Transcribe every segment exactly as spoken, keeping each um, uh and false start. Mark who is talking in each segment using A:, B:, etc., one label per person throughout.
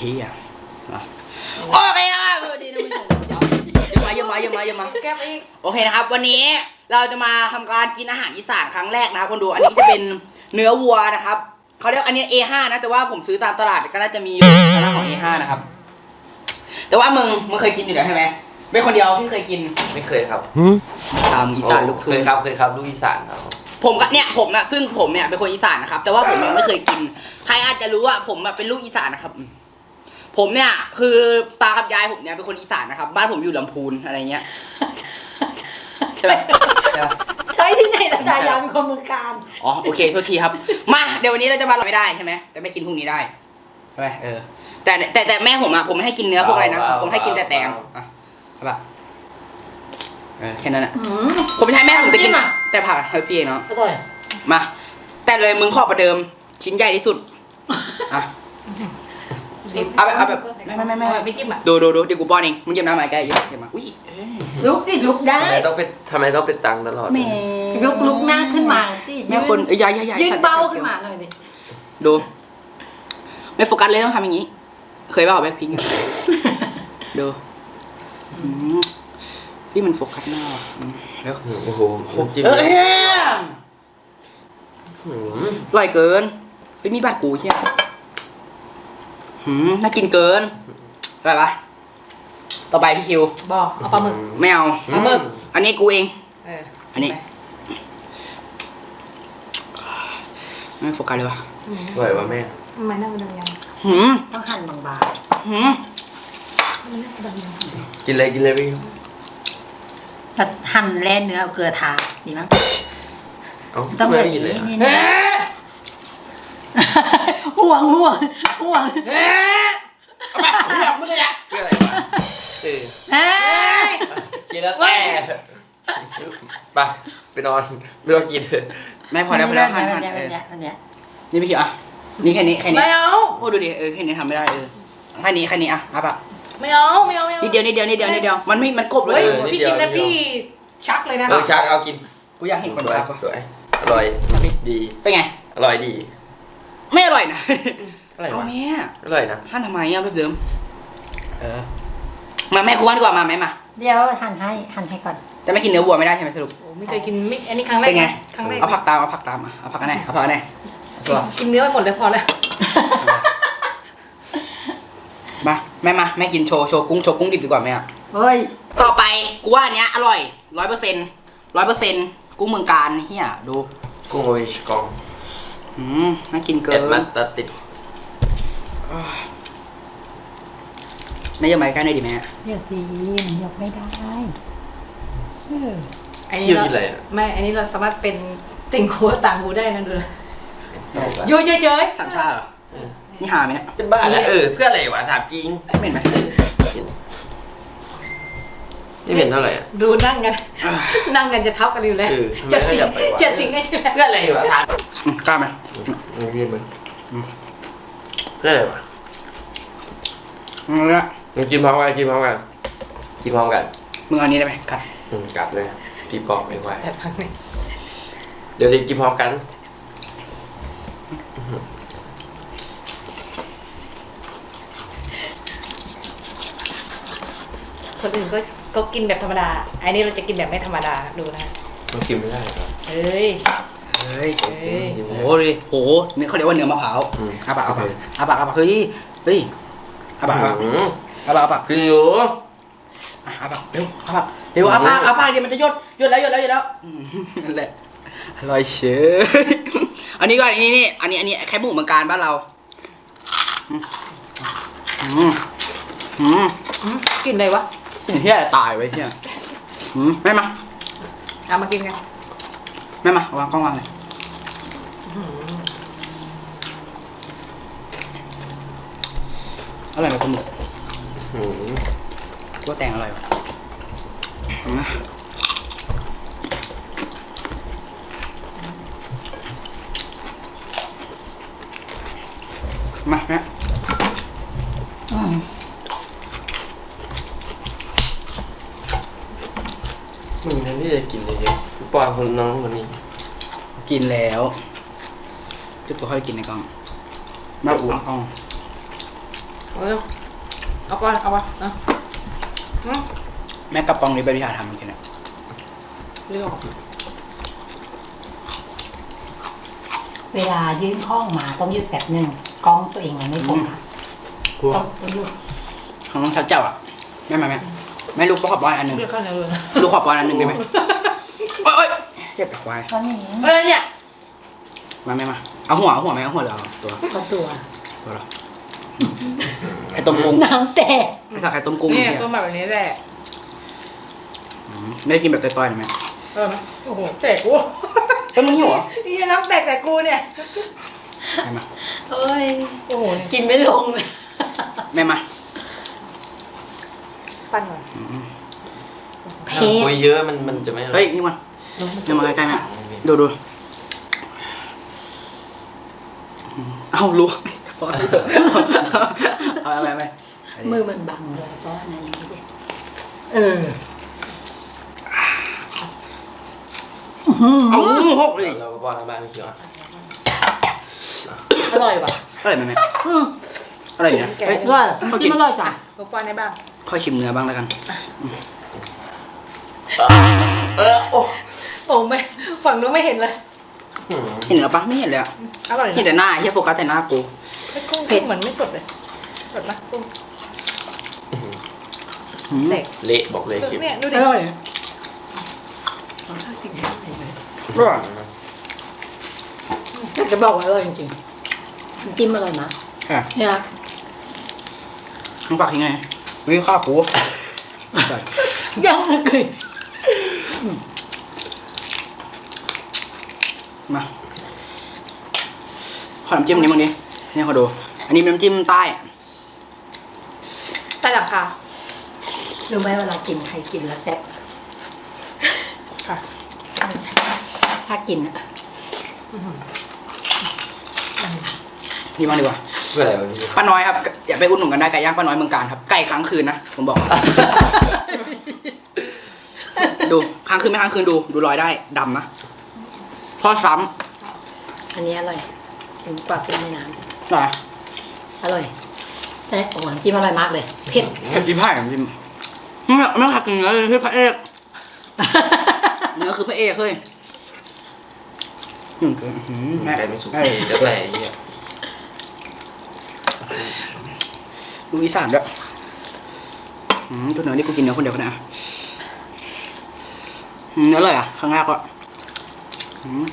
A: เฮียโอเคครับสวัสดีท่านผู้ชมเยอะมาเยอะมาเยอะมาเยอะมาแก้มอีกโอเคนะครับวันนี้เราจะมาทำการกินอาหารอีสานครั้งแรกนะครับคนดูอันนี้จะเป็นเนื้อวัวนะครับเขาเรียกอันนี้ เอ ห้า นะแต่ว่าผมซื้อตามตลาดก็น่าจะมีอยู่ทางด้านของ เอ ห้า นะครับแต่ว่ามึงมึงเคยกินอยู่แล้วใช่ไหมเป็นคนเดียวที่เคยกิน
B: ไม่เคยครับ
A: ตามอีสานลูกทุ่ง
B: เคยครับเคยครับลูกอีสานครับ
A: ผมก็เนี่ยผมนะซึ่งผมเนี่ยเป็นคนอีสานนะครับแต่ว่าผมยังไม่เคยกินใครอาจจะรู้ว่าผมเป็นลูกอีสานนะครับผมเนี่ยคือตากับยายผมเนี่ยเป็นคนอีสานนะครับบ้านผมอยู่ลำพูนอะไรเงี้ยใช่ไหม
C: ใช่ที่ไหนตาจายายเป็นคนเมืองการ
A: อ๋อโอเคโทษทีครับมาเดี๋ยววันนี้เราจะมาไม่ได้ใช่ไหมแต่ไม่กินพรุ่งนี้ได้ใช่ไหมเออแต่แต่แต่แม่ผมอะผมไม่ให้กินเนื้อพวกอะไรนะผมให้กินแต่แตงอ่ะใช่ปะเออแค่นั้นแหละผมใช้แม่ผมจะกินแต่ผักให้พี่เองเนาะ
C: อร่อย
A: มาแต่เลยมึงขอประเดิมชิ้นใหญ่ที่สุดอ่ะเอาแบบเอาแบบไม่ไม่ไม่ไม่
C: ไม่จิ้มอ่ะ
A: ดูดูดูเดี๋ยวกูป้อนเองมึงจิ้มน้ำมาแกเยอะเดี๋ยวมาอุ้ย
C: ลุกดิลุกได้
B: ทำไมต้องเป็นทำไมต้องเป็นตังตลอด
C: ยกลุกหน้าขึ้นมาที่
A: ยืนคนใหญ่ใหญ่ใหญ่
C: ยืนเบาขึ้นมาหน่อยดิ
A: ดูไม่โฟกัสเลยต้องทำอย่างนี้เคยเปล่าแบ็คพิงค์ดูนี่มันโฟกัสหน้าแล้ว
B: โอ้โห
A: เอออร่อยเกินไม่มีบาดกูใช่ไหมหืมน่ากินเกินอะไรปะต่อไปพี่คิว
C: บอกเอาปลาหมึก
A: ไม่เอา
C: ปลาหมึก
A: อันนี้กูเอง
C: เออ
A: อันนี้ไม่โฟกัสเลยวะ
B: อร่อยวะแม่
C: ทำไมน่าเป็นยัง
A: หืม
C: ต้องหั่นบาง
A: ๆหืม
B: กินเลยกินเลยพี่
C: แต่หั่นแล่เนื้อเอาเกลือทาดีมั้ง
B: ต้องเลยกินเลย
C: ห่วงห่วงห่วง
A: เฮ้ยเอาไปห่วงมึงเลยอะ
B: เพื่ออะไรวะเออ
C: เฮ้ย
B: กินแล้วแต่ไปไปนอนไม่ต้องกินเลย
A: แม่พอแล้วพอแล้วหั่นหั่นนี่พี่คิวอ่ะนี่แค่นี้แค่นี้
C: ไม่เอา
A: โอ้ดูดิเออแค่นี้ทำไม่ได้เออแค่นี้แค่นี้อ่ะอ่ะปะ
C: ไม่เอาไม่เอาไม่เอา
A: นิดเดียวนิดเดียวนิดเดียวนิดเดียวมันไม่มันกบเลย
C: พี่กินแล้วพี่ชักเลยนะ
B: เออชักเอากิน
A: กูอยากเห็นคนชัก
B: สวยอร่อยดี
A: เป็นไง
B: อร่อยดี
A: ไม่อร่อยนะ
B: อร่อยวะ
A: อ
B: ร่อยนะ
A: หั่นทำไมอ่ะแบบเดิมเออมาแม่กูว่าดีกว่ามาแม่มา
C: เดี๋ยวหั่นให้หั่นให้ก่อน
A: จะไม่กินเนื้อวัวไม่ได้ใช่ไหมสรุป
C: ไม่เคยกินไม่อันนี้ครั้งแรก
A: เป็นไง
C: ครั้งแรก
A: เอาผักตามเอาผักตามเอาผักกันไหนเอาผักกันไหน
C: กินเนื้อไปหมดเลยพอแล้ว
A: มาแม่มาแม่กินโชว์โชว์กุ้งโชว์กุ้งดิบดีกว่าแม่
C: เฮ้ย
A: ต่อไปกูว่าอันเนี้ยอร่อยร้อยเปอร์เซ็นต์ร้อยเปอร์เซ็นต์กุ้งเมืองการเฮียดู
B: กุ้งโออิชกอง
A: อืมน่ากินเกิน
B: เอ็ดมันตัดติด
A: ไม่ยอมไปใกล้ได้ดิแม่
C: เดี๋ยวสิมันยกไม่ได้
B: เอออันนี้เรา
C: ไม่อันนี้เราสามารถเป็นติ่งหูต่างหูได้นะดูเลยยุ่ยเฉย
A: ๆสามชาติเหรอนี่หาไหมเนี่ย
B: เป็นบ้าแล้วเออเพื่ออะไรวะสามจริง
A: ไม่เห็นไหม
B: นี่เห็นเท่าไหร่
C: ดูนั่งกันนั่งกันจะเท่ากันอยู่แล้วจะสิงจะสิงกันอยู่แล้ว
B: เพื่ออะไรวะทาน
A: กล้าไหม
B: ไม่เรียนมึงเพื่ออะไรวะ
A: มึงเนี่ย
B: มึงกินพร้อมกันกินพร้อมกันกินพร้อมกัน
A: มึงเอานี้ได้ไหมกัด
B: กัดเลยตีปอกไปไว้เดี๋ยวจะกินพร้อมกัน
C: คนอื่นก็ก็กินแบบธรรมดาอันนี้เราจะกินแบบไม่ธรรมดาดูนะ
B: มันกินไม่ได้ครับ
C: เฮ้ย
A: เฮ้ยโอ้โหดิโหนี่เขาเรียกว่าเนื้อมะพร้าวอาบะอาบะอาบะอาบะเฮ้ยเฮ้ยอาบะอาบะอาบะอาบะ
B: คืออยู่
A: อาบะเร็วอาบะเร็วอาบะอาบะเดี๋ยวมันจะยดยดแล้วยดแล้วยดแล้วนั่นแหละอร่อยเชยอันนี้ก็อันนี้นี่อันนี้อันนี้แค่หมูเมืองการบ้านเราอืมอืม
C: กินอะไรวะ
A: เฮียตายไว้เฮียแม่มา
C: เอามากินกัน
A: แม่มาวางกล้องวางเลยอร่อยไหมคุณหมูตัวแตงอร่อยนะมาแม่
B: มึงนั่นที่จะกินเลยเยอะปอนคนน้องคนนี้
A: กินแล้วจุดตัวค่อยกินในกล่องมาอุ้งกล่อง
C: เอาเร็วเอาก่อนเอาก่อนเอาอืม
A: แม่กับกองนี้เป็นวิชาทำเหมือนกันนะ
C: เร็ว
D: เวลายื่นข้องมาต้องหยุดแบบหนึ่งกล้องตัวเองมันไม่โฟกัส
A: กลัว
D: ต้องต้องหยุด
A: ของน้องชัดเจ้าอ่ะแม่มาแม่แม่ลูกขอบบอลอันหนึ่ง
C: เรียกข้าวเหนียวเลย
A: ลูกขอบบอลอันหนึ่งได้ไหมโอ๊ยเรียบไปควาย
D: ตอนนี้
C: เอ้ยเนี่ย
A: มาแม่มาเอาหัวเอาหัวไหมเอาหัวหรือเอาตัว
D: ก็ตัว
A: ตัวเหรอไข่ต้มกุ้ง
D: น้ำแตก
A: ไม่ใช่ไข่ต้มกุ้ง
C: นี่
A: เนี่ย
C: ตัวแบบนี้แหละ
A: อืมไม่ได้กินแบบต่อยๆหน่อยไหม
C: เออไหมโอ้โหแตกกู
A: เอ้ยมึงหิวเหรอ
C: นี่น้ำแตกแต่กูเนี่ย
A: แม่มา
D: เอ้ย
C: โอ้โห
D: กินไม่ลงเลย
A: แม่มา
C: ปั้นหน่อย
A: อืม
D: เพ
B: ถ้าคุย
D: ชร
B: เยอะมันมันจะไม่อร่อ
A: เฮ้ยนี่มันเดี๋ยวมาใกล้ๆแม่ดูดูอืมเอารู้เอาอะไรไป
D: มือมันบังเลยเพราะว่านั่นอย่างนี้ดิเออ
A: เอาหกเลย
B: เราก็ว่ากันบ้างไม่เกี่ยวอะ
C: อร่อยว่ะ
A: อะไรแม่แม่
D: อืม
A: อะไรเนี่ยเฮ้ย
D: อร่อยกินอร่อยจ้ะ
C: กูป้อนได้บ้าง
A: ค่อยชิมเนื้อบ้างแล้วกัน
B: เออโอ้
C: โอ้ไม่ฝั่งนู้นไม่เห็นเลย
B: หืม
A: เห็นเนื้อปะไม่เห็นเลยอ่ะ
C: อร่อย
A: เห็นแต่หน้าเฮียโฟกัสแต่หน้ากู
C: ไม่กุ้งเผ็ดเหมือนไม่สดเลยสดปะกุ้ง
A: อืม
C: เด็ก
B: เละบอกเลยคลิป
C: เนี่ยดู
D: อ
C: ดิ
D: ร่อย
A: อร่อย
D: อยากจะบอกว่าอร่อยจริงๆน้ำจิ้มอร่อยนะ
A: ค่ะ
D: เนี่ย
A: มึงฝากยังไงวิข้าวกู
D: ยังไม่เคย
A: มาขอน้ำจิ้มนี้มึงดิเนี่ยเขาดู อันนี้เป็นน้ำจิ้มใต้
C: ใต้หลังคา
D: รู้ไหมเวลากินใครกินแล้วแซ่บ
C: ค่ะ
D: ถ้ากินอ่ะ
A: นี่บ้างดีกว่า
B: เพื่ออะไรวะพี่
A: ป้าน้อยครับ อย่าไปอุดหนุนกันได้ไก่ย่างป้าน้อยเมืองการครับ ไก่ค้างคืนนะ ผมบอก ดูค้างคืนไม่ค้างคืนดู ดูรอยได้ดำนะทอดซ้
D: อันนี้อร่อยถึงกว่าเป็นในน้
A: ำอะไร
D: ำอร่อยแต่โอ้โหน้ำจิ้มอร่อยมากเลยเผ็ด
A: เผ็ดจิ้มไผ่น้ำจิ้มไม่ไม่หักเนื้อเลยคือพระเอกเนื้อคือพระเอกเฮ้ยหนึ่งคืออื้อหือแม่
B: ใจไม่สุก
A: แม่
B: แล้วแต่ไอ้เนี่ย
A: ดูอีสานด้วยอืมตัวเนื้อนี่กูกินเนื้อคนเดียวกันนะอืมเนื้อเลยอ่ะข้างหน้าก็อืม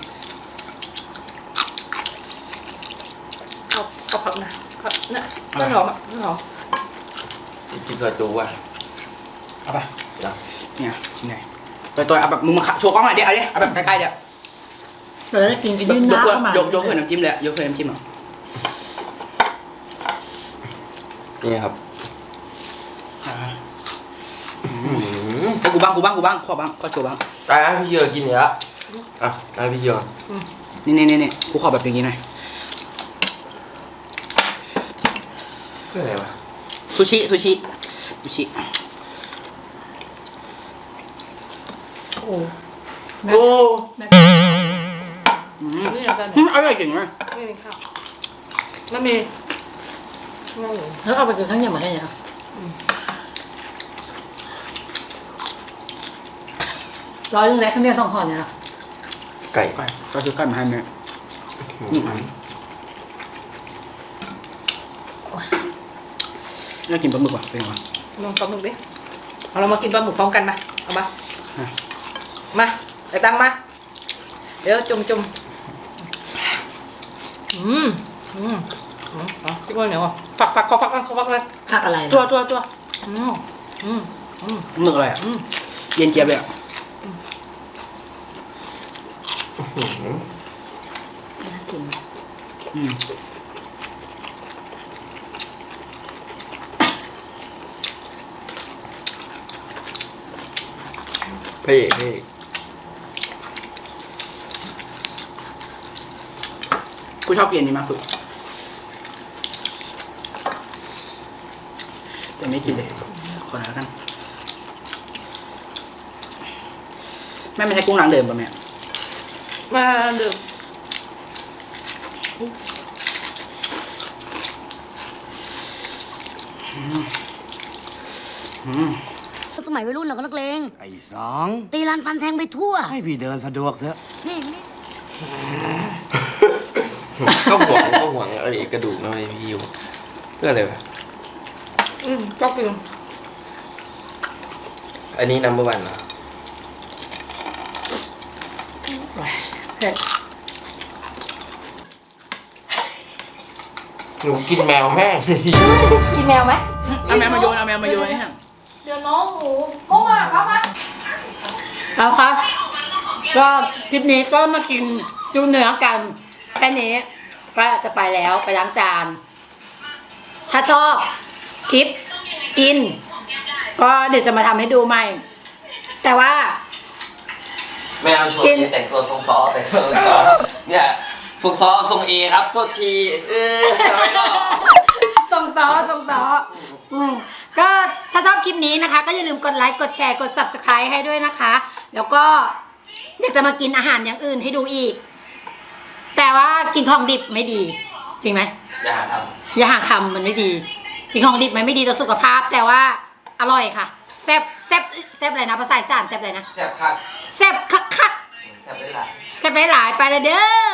C: เอาเอาผักนะผักเนี่ยต้นหอมอ่ะต้นหอม
B: กินซอยจูว่ะ
A: เอาไป
B: เนาะ
A: เนี่ยชิ้นไหนตัวตัวเอาแบบมึงมาขะโชว์กล้องหน่อยดิเอาดิเอาแบบใกล้ๆเดี๋ยว
D: เราได้กินกัน
A: ย
D: ยืน
A: ก
D: หน้าย
A: ก
D: เข้ามาย
A: กยกเพื่อนน้ำจิ้มเลยอะยกเพื่อนน้ำจิ้มอ่ะ
B: นี่ครับ
A: อ่า
B: หืม
A: ให้กูบ้างกูบ้างกูบ้างขอบ้างขอโชว์บ้าง
B: ตายแล้วพี่เยอะกินเนี่ยอ่ะตายพี่เยอะ
A: นี่นี่นี่นี่กูขอแบบอย่างนี้หน่อย
B: เพื่ออะไรวะ
A: ซูชิซูชิซูชิ
D: โอ้
B: โอ้
D: แม่
A: อืม
C: นี่เอากัน
A: อืมอร่อยจริงเลย
C: ไม่มีข้าวไม่มีงง
D: แล้วเอาไปซื้อทั้งอย่างมาให้เนี่ยร้อยลุงแรกข้างเดียวสองห่อเนี่ยนะ
B: ไก่
A: ไก่ก็ซื้อไก่มาให้แม่
B: หืม
A: น่ากินปลาหมึกว่ะเป็นไงวะ
C: ลองปลาหมึกดิเอาเรามากินปลาหมึกพร้อมกันมาเอามา
A: อ่ะ
C: มาไปตังมาเดี๋ยวจุ่มจุ่มอืมอืมอืมเอาจิ้มข้าวเหนียวอ่ะผักผักขอผักขอผักเลย
D: ผักอะไรนะ
C: ตัวตัวตัวอืมอืมอืม
A: หมึกอะไรอ่ะ
C: อืม
A: เย็นเจี๊ยบเลยอ่ะ
B: หืม
D: น่ากิน
A: อืม
B: พระเอกพระเอก
A: กูชอบกินอันนี้มากสุดแต่ไม่กินเลยขอหน่อยแล้วกันแม่ไม่ใช่กุ้งนางเดิมป่ะแม่
C: มาดื่ม
E: สมัยวัยรุ่นเราก็นักเลง
F: ไอ้สอง
E: ตีรันฟันแทงไปทั่ว
F: ให้พี่เดินสะดวกเถอะ
E: นี่นี่
B: ก็หวงก็หวงไอ้กระดูกนะไอ้พี่อยู่เพื่ออะไรวะ
C: อืมก็คือ
B: อันนี้นัมเบอร์วันเหรอ
C: เผ็ด
B: หนูกินแมวแม่ง
C: กินแมวไหม
A: เอาแมวมาโยนเอาแมวมาโยนนี่ฮะ
C: เดี๋ยวน้องหมูโม่มาครับมา
D: เอาครับก็คลิปนี้ก็มากินจูเนื้อกันแค่นี้ก็จะไปแล้วไปล้างจาน ถ้าชอบคลิปกิน ก็เดี๋ยวจะมาทำให้ดูใหม่ แต่ว่า
B: แมวชวนนี่แต่งตัวทรงซอแต่งตัวทรงซอเนี่ยทรงซอทรงเอครับโทษทีเออทำไมล่ะ
D: ส่งซอส่งซออืมก็ถ้าชอบคลิปนี้นะคะ ก็อย่าลืมกดไลค์กดแชร์กด ซับสไครบ์ ให้ด้วยนะคะ แล้วก็เดี๋ยวจะมากินอาหารอย่างอื่นให้ดูอีก แต่ว่ากินของดิบไม่ดี จริงไหม
B: อย่าหาท
D: อย่าหาทำมันไม่ดี กินของดิบมันไม่ดีต่อสุขภาพ แต่ว่าอร่อยค่ะแซ่บแซ่บแซ่บอะไรนะภาษาอีสานแซ่บอะไรนะ
B: ำแซ่บคัก
D: แซ่บคักคัก
B: แซ่บได้หลาย
D: แซ่บหลายๆไปเลยเด้อ